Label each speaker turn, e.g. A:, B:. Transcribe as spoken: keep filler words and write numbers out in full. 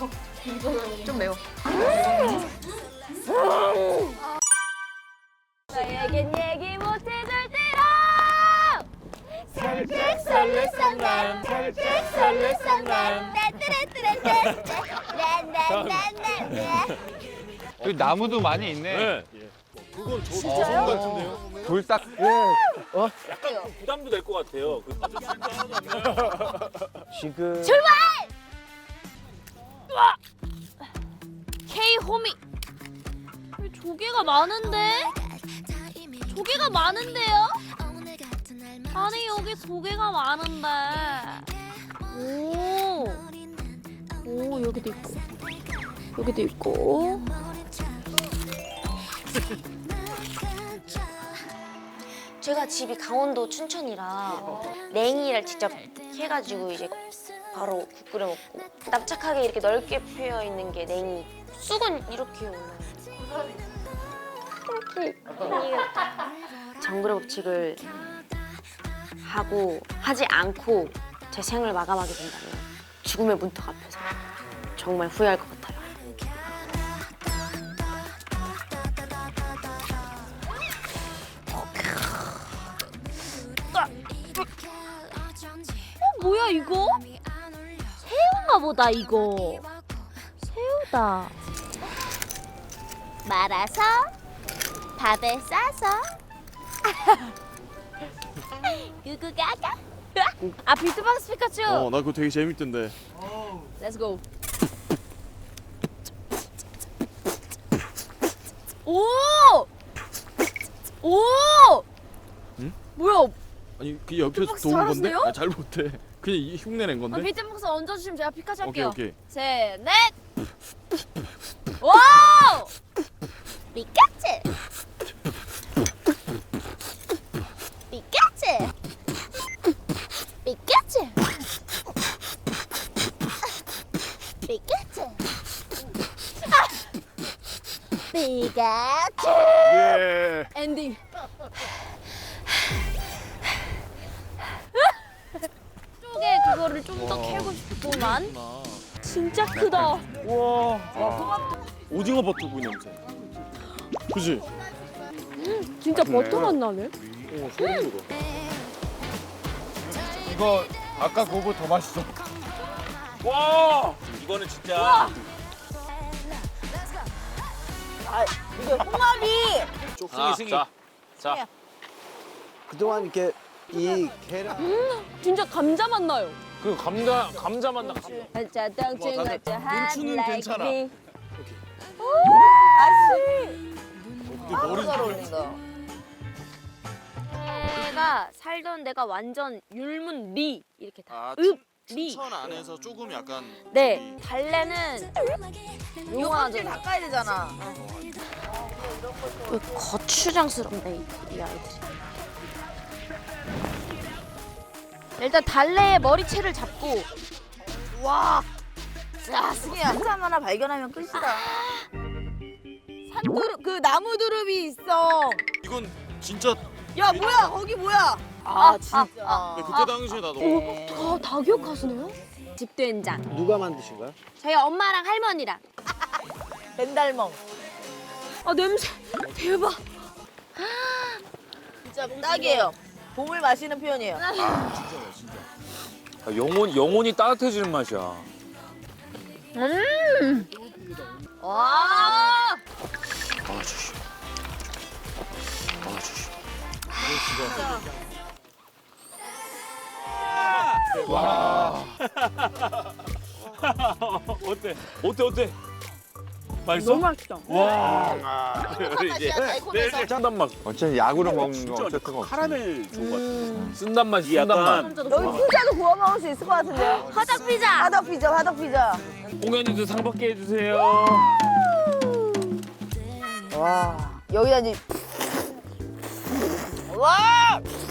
A: 좀 매워.
B: 나에겐 얘기 못해줄 때로
C: 살짝 설레쌍남 살짝 설레쌍남.
D: 여기 나무도 많이 있네.
C: 네. 그건 저 조성 같은데요?
D: 돌딱.
C: 약간 부담도 될 것 같아요. 그
E: 지금
B: 출발! 우와! K 호미. 조개가 많은데? 조개가 많은데요? 아니 여기 조개가 많은데. 오. 오 여기도 있고. 여기도 있고. 제가 집이 강원도 춘천이라 냉이를 직접 해가지고 이제 바로 국 끓여 먹고 납작하게 이렇게 넓게 패여 있는 게 냉이. 쑥은 이렇게 올라요. 이렇게 냉이가 정글의 법칙을 하고 하지 않고 제 생을 마감하게 된다면 죽음의 문턱 앞에서 정말 후회할 것 같아요. 어, 뭐야 이거? 새우인가 보다 이거. 새우다. 말아서 밥에 싸서 구구가가. 아 비트박스 피카츄.
F: 어, 나 그거 되게 재밌던데.
B: Let's go. 오! 오!
F: 응?
B: 뭐야?
F: 아니, 그 옆에서
B: 비트박스
F: 도운 건데?
B: 잘하세요?
F: 아, 잘 못해. 그냥 이 흉내 낸
B: 아,
F: 건데?
B: 비트박스 얹어주시면 제가 피카츄
F: 오케이,
B: 할게요.
F: 오케이.
B: 셋, 넷. 오! 피카츄. 피카츄. 피카츄. 피카츄. 피카츄.
F: 예.
B: 엔딩. 쪽에 그거를 좀 더 캐고 싶구만. 진짜 크다.
F: 우와. 오징어 버터구이 냄새. 그지?
B: 진짜 버터 맛 나네.
F: 오, 소름 돋아.
D: 이거 아까 그거보다 더 맛있어.
C: 와 이거는 진짜
A: 이게 홍합이
C: 승희 승희. 자, 자.
E: 그동안 이렇게 이 계란
B: 진짜 감자 맛 나요.
C: 그 감자 감자 맛 나.
B: 감자 덩치
F: 와, 나는
B: 감자 한
F: 눈추는
B: like
F: 괜찮아.
B: me.
A: 아씨
F: 근데
A: 너무
F: 머리
A: 잘 어울린다.
B: 내가 살던 데가 완전 율문 리 이렇게 다.
F: 아,
B: 읍 리.
F: 춘천 안에서 조금 약간
B: 네 달래는
A: 요거질
B: 용하죠.
A: 닦아야 되잖아.
B: 그 거추장스럽네 이, 이 아이들이. 일단 달래의 머리채를 잡고
A: 와. 야 승희야 한참 하나 발견하면 끝이다. 산두릅 그 나무 두릅이 있어.
F: 이건 진짜
A: 야 뭐야 거기 뭐야? 아 진짜.
F: 네, 그때 당시에 나 너무
B: 오, 다, 다 기억하시네요? 집된장.
E: 누가 만드신 거야?
B: 저희 엄마랑 할머니랑.
A: 벤달멍.
B: 아 냄새 대박.
A: 진짜 딱이에요. 봄을 마시는 표현이에요.
C: 아, 영혼 영혼이 따뜻해지는 맛이야.
B: 음.
A: 와.
F: 아저씨. 아저씨.
C: 어때? 어때 어때? 맛있어? 너무
B: 맛있어.
C: 와. 이제
A: 달콤해서.
C: 짠단 맛.
D: 어차피 약으로 먹는 거
C: 진짜
D: 어쩔 수가 없어.
C: 카라멜 좋은 것 같아. 쓴단 맛이 쓴단 맛.
A: 여기 피자도 구워 먹을 수 있을 것 같은데요?
B: 화덕 피자.
A: 화덕 피자, 화덕 피자.
C: 공연님도 상 받게 해주세요.
A: 와. 여기다 이제. 와.